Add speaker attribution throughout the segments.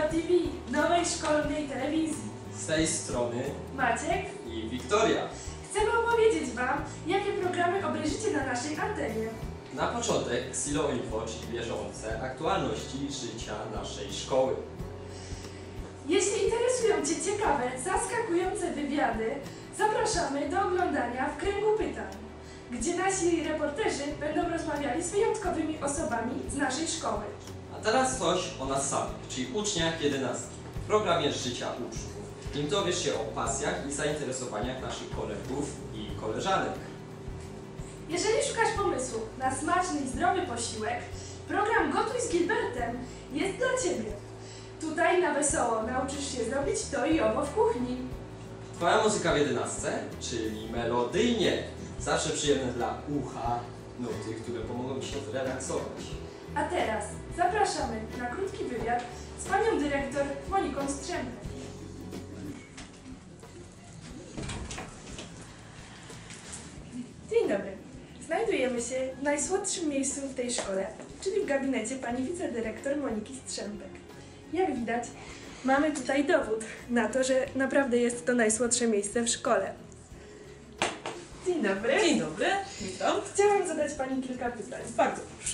Speaker 1: TV, nowej szkolnej telewizji.
Speaker 2: Z tej strony
Speaker 1: Maciek,
Speaker 2: i Wiktoria.
Speaker 1: chcemy opowiedzieć Wam, jakie programy obejrzycie na naszej antenie.
Speaker 2: Na początek Xilo Info, czyli bieżące aktualności życia naszej szkoły.
Speaker 1: Jeśli interesują Cię ciekawe, zaskakujące wywiady, zapraszamy do oglądania w Kręgu Pytań, gdzie nasi reporterzy będą rozmawiali z wyjątkowymi osobami z naszej szkoły.
Speaker 2: A teraz coś o nas samych, czyli uczniach 11. W programie Życia Uczniów. W nim dowiesz się o pasjach i zainteresowaniach naszych kolegów i koleżanek.
Speaker 1: Jeżeli szukasz pomysłu na smaczny i zdrowy posiłek, program Gotuj z Gilbertem jest dla Ciebie. Tutaj na wesoło nauczysz się zrobić to i owo w kuchni.
Speaker 2: Twoja muzyka w 11, czyli melodyjnie. Zawsze przyjemne dla ucha nuty, które pomogą Ci się zrelaksować.
Speaker 1: A teraz zapraszamy na krótki wywiad z panią dyrektor Moniką Strzępek. Dzień dobry. Znajdujemy się w najsłodszym miejscu w tej szkole, czyli w gabinecie pani wicedyrektor Moniki Strzępek. Jak widać, mamy tutaj dowód na to, że naprawdę jest to najsłodsze miejsce w szkole. Dzień dobry.
Speaker 3: Dzień dobry, witam.
Speaker 1: Chciałam zadać pani kilka pytań.
Speaker 3: Bardzo proszę.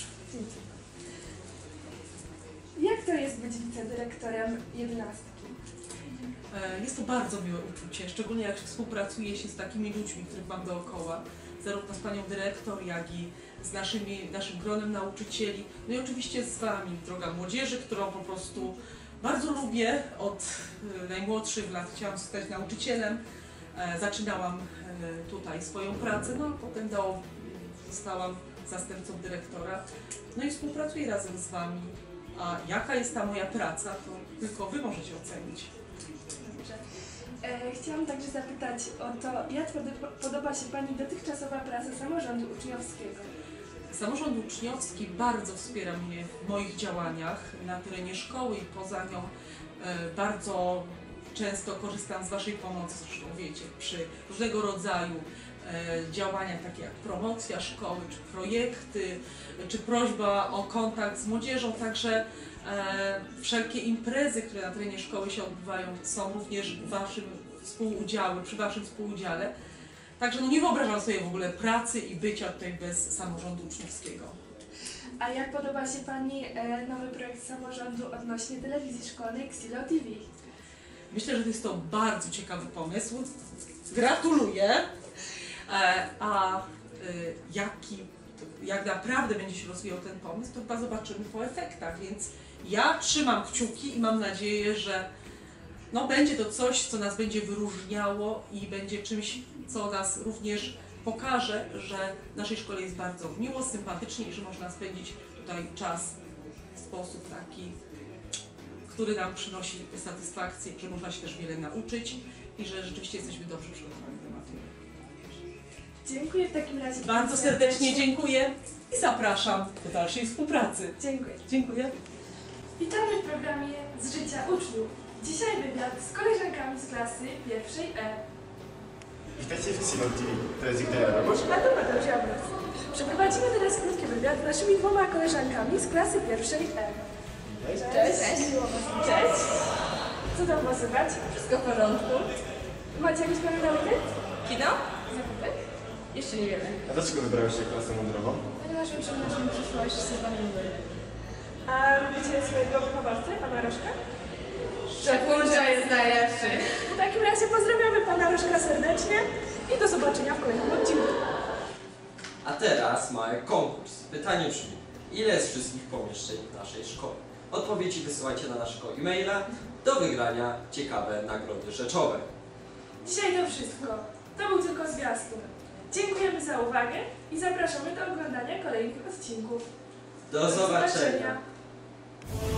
Speaker 1: Jak to jest być wicedyrektorem 11?
Speaker 3: Jest to bardzo miłe uczucie, szczególnie jak współpracuje się z takimi ludźmi, których mam dookoła, zarówno z panią dyrektor, jak i z naszym gronem nauczycieli, no i oczywiście z wami, droga młodzieży, którą po prostu bardzo lubię. Od najmłodszych lat chciałam zostać nauczycielem, zaczynałam tutaj swoją pracę, no a potem zostałam zastępcą dyrektora, no i współpracuję razem z wami. A jaka jest ta moja praca, to tylko wy możecie ocenić.
Speaker 1: Dobrze. Chciałam także zapytać o to, jak podoba się pani dotychczasowa praca samorządu uczniowskiego?
Speaker 3: Samorząd uczniowski bardzo wspiera mnie w moich działaniach na terenie szkoły i poza nią. Bardzo często korzystam z waszej pomocy, zresztą wiecie, przy różnego rodzaju działaniach takie jak promocja szkoły, czy projekty, czy prośba o kontakt z młodzieżą, także wszelkie imprezy, które na terenie szkoły się odbywają, są również przy waszym współudziale. Także no nie wyobrażam sobie w ogóle pracy i bycia tutaj bez samorządu uczniowskiego.
Speaker 1: A jak podoba się pani nowy projekt samorządu odnośnie telewizji szkolnej Xilo TV?
Speaker 3: Myślę, że to jest to bardzo ciekawy pomysł. Gratuluję. Jak naprawdę będzie się rozwijał ten pomysł, to chyba zobaczymy po efektach, więc ja trzymam kciuki i mam nadzieję, że no, będzie to coś, co nas będzie wyróżniało i będzie czymś, co nas również pokaże, że w naszej szkole jest bardzo miło, sympatycznie i że można spędzić tutaj czas w sposób taki, który nam przynosi satysfakcję, że można się też wiele nauczyć i że rzeczywiście jesteśmy dobrze przygotowani do matury.
Speaker 1: Dziękuję w takim razie.
Speaker 3: Bardzo serdecznie dziękuję i zapraszam do dalszej współpracy.
Speaker 1: Dziękuję.
Speaker 3: Dziękuję.
Speaker 1: Witamy w programie Z życia uczniów. Dzisiaj wywiad z koleżankami z klasy pierwszej E.
Speaker 4: Witajcie w Xilo TV. To jest Wiktoria Robosz.
Speaker 1: A to Mateusz Jabłon. Przeprowadzimy teraz krótki wywiad z naszymi dwoma koleżankami z klasy pierwszej E.
Speaker 5: Cześć.
Speaker 1: Miło was widzieć.
Speaker 5: Cześć.
Speaker 1: Co tam was słychać?
Speaker 5: Wszystko w porządku?
Speaker 1: Macie jakieś plany na weekend?
Speaker 5: Kino?
Speaker 1: Zakupy?
Speaker 5: Jeszcze nie wiemy.
Speaker 4: A dlaczego wybrałeś się klasę mundurową?
Speaker 5: Ponieważ uczymy naszą przyszłość z Panem Numer.
Speaker 1: A lubicie swojego wychowawcę, pana Rożka?
Speaker 5: Szczepulcza jest najlepszy.
Speaker 1: W takim razie pozdrawiamy pana Rożka serdecznie i do zobaczenia w kolejnym odcinku.
Speaker 2: A teraz mały konkurs. Pytanie brzmi, ile jest wszystkich pomieszczeń w naszej szkole? Odpowiedzi wysyłajcie na naszego e-maila. Do wygrania ciekawe nagrody rzeczowe.
Speaker 1: Dzisiaj to wszystko. To był tylko zwiastun. Dziękujemy za uwagę i zapraszamy do oglądania kolejnych odcinków.
Speaker 2: Do zobaczenia.